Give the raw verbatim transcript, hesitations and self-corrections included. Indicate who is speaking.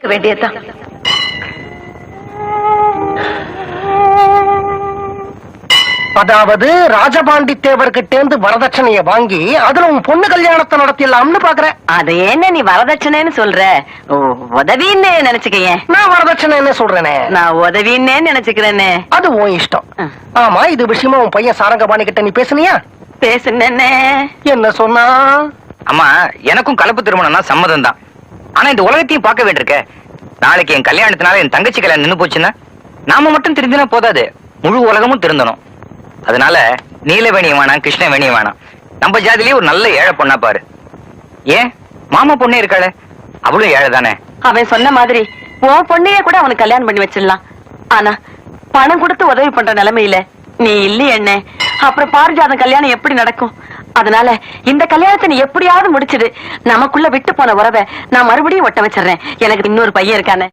Speaker 1: வேண்டியதான்.
Speaker 2: அதாவது ராஜபாண்டி தேவர்கிட்ட இருந்து வரதட்சணைய வாங்கி அதுல உன் பொண்ணு கல்யாணத்தை நடத்திடலாம்னு பாக்குறேன்.
Speaker 1: அது என்ன நீ வரதட்சணைன்னு சொல்ற? ஓ, உதவின்னு நினைச்சுக்கேன்.
Speaker 2: நான் வரதட்சணைன்னு சொல்றேனே.
Speaker 1: நான் உதவின்னே நினைச்சுக்கிறேனே.
Speaker 2: அது உன் இஷ்டம். ஆமா, இது விஷயமா உன் பையன் சாரங்கபாணி கிட்ட நீ பேசுனியா?
Speaker 1: பேசுனே.
Speaker 2: என்ன சொன்னா?
Speaker 3: அம்மா, எனக்கும் கலப்பு திருமணம்னா சம்மதம் தான். ஆனா இந்த உலகத்தையும் பார்க்க வேண்டியிருக்க. நாளைக்கு என் கல்யாணத்தினால என் தங்கச்சி கல்யாணம் நின்னு போச்சுன்னா நாம மட்டும் தெரிஞ்சுனா போதாது, முழு உலகமும் திருந்தணும். அதனால நீலவேணியம் வேணாம், கிருஷ்ணவேணியம் வேணாம். நம்ம ஜாதிலேயே ஒரு நல்ல ஏழை பொண்ணா பாரு. ஏன் மாமா பொண்ணே இருக்காளே, அவளும் ஏழை தானே.
Speaker 1: அவன் சொன்ன மாதிரி உன் பொண்ணையே கூட அவனுக்கு கல்யாணம் பண்ணி வச்சிடலாம். ஆனா பணம் கொடுத்து உதவி பண்ற நிலைமையில நீ இல்லையே என்ன. அப்புறம் பாரிஜாதம் கல்யாணம் எப்படி நடக்கும்? அதனால இந்த கல்யாணத்தை நீ எப்படியாவது முடிச்சிடு. நமக்குள்ள விட்டு போன உறவை நான் மறுபடியும் ஒட்ட வச்சிடறேன். எனக்கு இன்னொரு பையன் இருக்கானே.